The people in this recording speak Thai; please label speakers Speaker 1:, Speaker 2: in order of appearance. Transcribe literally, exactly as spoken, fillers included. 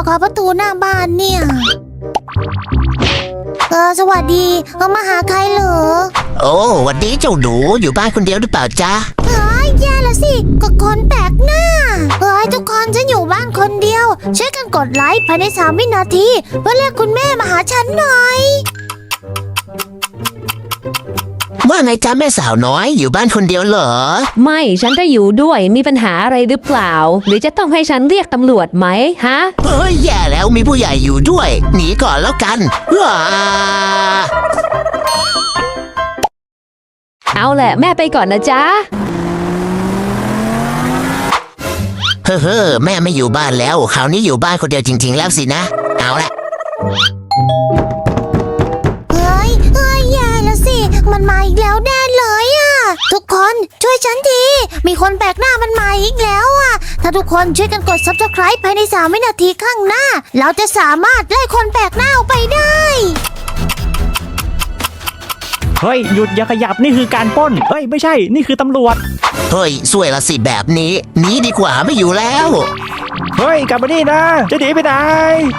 Speaker 1: อประตูหน้าบ้านเนี่ยเออสวัสดีเอามาหาใครเหรอ
Speaker 2: โอ้วันนี้เจ้าหนูอยู่บ้านคนเดียวหรือเปล่าจ๊ะ
Speaker 1: เฮ้ยแย่ละสิก็คนแปลกหน้าเฮ้ยทุกคนฉันอยู่บ้านคนเดียวช่วยกันกดไลค์ภายในสามวินาทีเพื่อเรียกคุณแม่มาหาฉันหน่อย
Speaker 2: ว่าไงจ๊ะแม่สาวน้อยอยู่บ้านคนเดียวเหรอ
Speaker 3: ไม่ฉันจะอยู่ด้วยมีปัญหาอะไรหรือเปล่าหรือจะต้องให้ฉันเรียกตำรวจไหมฮะ
Speaker 2: เฮ้ยแย่แล้วมีผู้ใหญ่อยู่ด้วยหนีก่อนแล้วกันว้า
Speaker 3: เอาแหละแม่ไปก่อนนะจ๊ะ
Speaker 2: เฮ้อเฮ้อแม่ไม่อยู่บ้านแล้วคราวนี้อยู่บ้านคนเดียวจริงๆแล้วสินะเอาละ
Speaker 1: เฮ้ยเฮ้ยแย่แล้วสิมันมาอีกแล้วแน่เลยอ่ะทุกคนช่วยฉันทีมีคนแปลกหน้ามันมาอีกแล้วอ่ะถ้าทุกคนช่วยกันกด ซับสไครบ์ ภายในสามวินาทีข้างหน้าเราจะสามารถไล่คนแปลกหน้าออกไปได้
Speaker 4: เฮ้ยหยุดอย่าขยับนี่คือการปล้นเฮ้ยไม่ใช่นี่คือตำรวจ
Speaker 2: เฮ้ยสวยละสิแบบนี้หนีดีกว่าไม่อยู่แล้ว
Speaker 4: เฮ้ยกลับมานี่นะจะหนีไปไหน